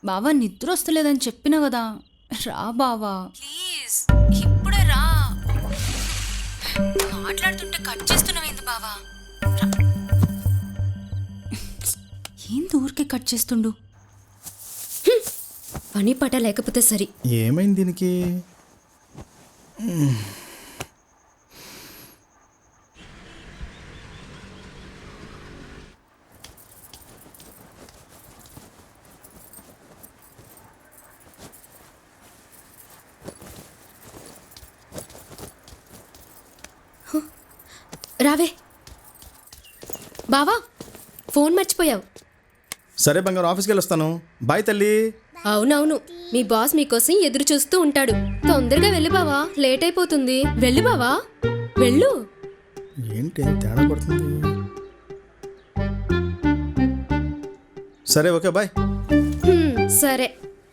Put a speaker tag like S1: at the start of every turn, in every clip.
S1: బావా నిద్ర వస్తలేదని చెప్పినా కదా, రా బావా ప్లీజ్, ఇప్పుడే రా. మాట్లాడుతుంటే కట్ చేస్తున్నావేంది బావా? ఏంది ఊరికే కట్ చేస్తుండు?
S2: పని పట లేకపోతే సరి.
S3: ఏమైంది దీనికి?
S2: రావే బావా, ఫోన్ మర్చిపోయావు.
S3: సరే బంగారు, ఆఫీస్కి వెళ్ళొస్తాను. బాయ్ తల్లి.
S2: అవునవును, మీ బాస్ మీకోసం ఎదురు చూస్తూ ఉంటాడు. తొందరగా వెళ్ళి బావా, లేట్ అయిపోతుంది. వెళ్ళు బావా, వెళ్ళు.
S3: ఏంటి తేడా పడుతుంది? సరే ఓకే బాయ్.
S2: సరే.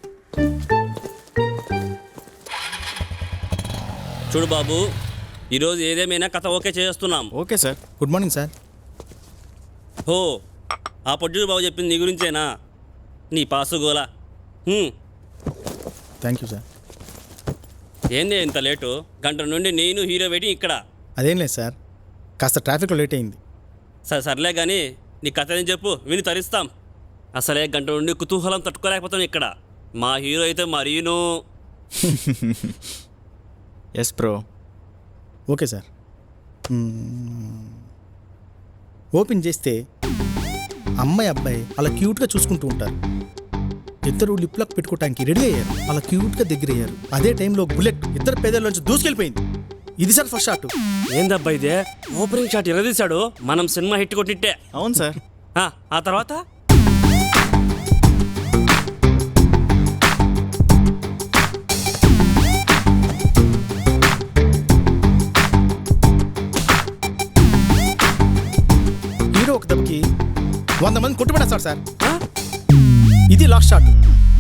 S4: చూడు బాబు, ఈరోజు ఏదేమైనా కథ ఓకే చేస్తున్నాం.
S3: Okay sir. Good morning sir.
S4: హో, ఆ పొడ్డు బాబు చెప్పింది నీ గురించేనా? నీ పాసు గోలా.
S3: Thank you sir.
S4: ఏంది ఇంత లేటు? గంట నుండి నేను హీరో వెయిటింగ్ ఇక్కడ.
S3: అదేం లేదు సార్, కాస్త ట్రాఫిక్లో లేట్ అయింది.
S4: సర్లే కానీ నీ కథ ఏం చెప్పు, విని తరిస్తాం. అసలే గంట నుండి కుతూహలం తట్టుకోలేకపోతాం ఇక్కడ. మా హీరో అయితే మరీను.
S5: Yes bro.
S3: Okay sir. Open చేస్తే అమ్మాయి అబ్బాయి అలా క్యూట్గా చూసుకుంటూ ఉంటారు. ఇద్దరు లిప్ లాక్ పెట్టుకోవటానికి రెడీ అయ్యారు. అలా క్యూట్గా దగ్గర అయ్యారు. అదే టైంలో బుల్లెట్ ఇద్దరు పేదల్లోంచి దూసుకెళ్ళిపోయింది. ఇది సార్ ఫస్ట్ షాట్.
S4: ఏందబ్బా ఇదే ఓపెనింగ్ షాట్ ఎలా తీశాడు? మనం సినిమా హిట్ కొట్టిట్టే.
S5: అవును సార్.
S4: ఆ తర్వాత
S3: హీరో ఒక దెబ్బకి 100 మంది కొట్టుబడేస్తారు సార్. ఇది లాస్ట్ షాట్.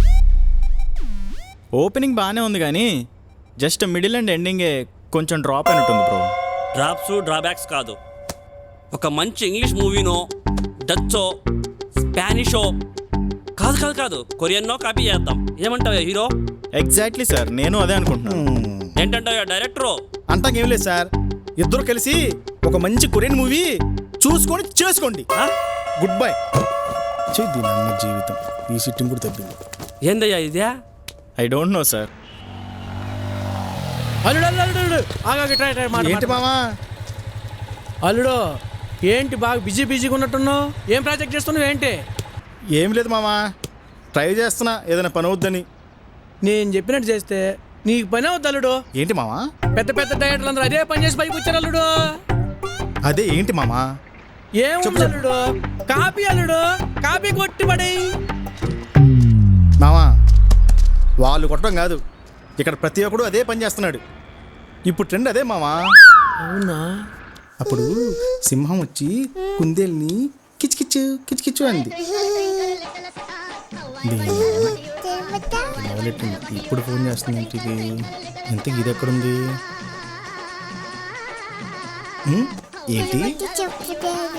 S5: ఓపెనింగ్ బాగానే ఉంది కానీ జస్ట్ మిడిల్ అండ్ ఎండింగే కొంచెం డ్రాప్ అయినట్టుంది బ్రో.
S4: డ్రాప్స్ డ్రాబ్యాక్స్ కాదు, ఒక మంచి ఇంగ్లీష్ మూవీనో, డచ్చో, స్పానిషో, కాదు కొరియన్నో కాపీ చేద్దాం. ఏమంటావు హీరో?
S5: ఎగ్జాక్ట్లీ సార్, నేను అదే అనుకుంటున్నాను.
S4: ఏంటంటావు డైరెక్టరు?
S3: అంతాకేం లేదు సార్, ఇద్దరు కలిసి ఒక మంచి కొరియన్ మూవీ చూసుకొని చేసుకోండి. Good bye. చేద్ది నాన్న జీవితం. ఈ సిట్టింగ్ కూడా తగ్గింది.
S4: ఏందయ్యా ఇదే?
S5: I don't know sir.
S3: ఏంటి మామా?
S6: అల్లుడు ఏంటి బాగా బిజీగా ఉన్నట్టున్నావు? ఏం ప్రాజెక్ట్ చేస్తున్నావు ఏంటి?
S3: ఏం లేదు మామా, ట్రై చేస్తున్నా ఏదైనా పని అవుద్దని.
S6: నేను చెప్పినట్టు చేస్తే నీకు పని అవుద్ది అల్లుడు.
S3: ఏంటి మామా?
S6: పెద్ద పెద్ద డైరెక్టర్లు అందరూ అదే పని చేసి పైకి వచ్చారు అల్లుడు.
S3: అదే ఏంటి మామా?
S6: ఏముంది అల్లుడు, కాపీ అల్లుడు, కాపీ కొట్టి పడే.
S3: మామా వాళ్ళు కొట్టడం కాదు, ఇక్కడ ప్రతి ఒక్కడు అదే పని చేస్తున్నాడు. ఇప్పుడు ట్రెండ్ అదే మామా.
S6: అవునా?
S3: అప్పుడు సింహం వచ్చి కుందేల్ని కిచ్కిచ్చు కిచ్కిచ్చు అంది. ఇప్పుడు ఫోన్ చేస్తుంది ఇంటికి. ఇంతకి ఇది ఎక్కడుంది? ఏంటి?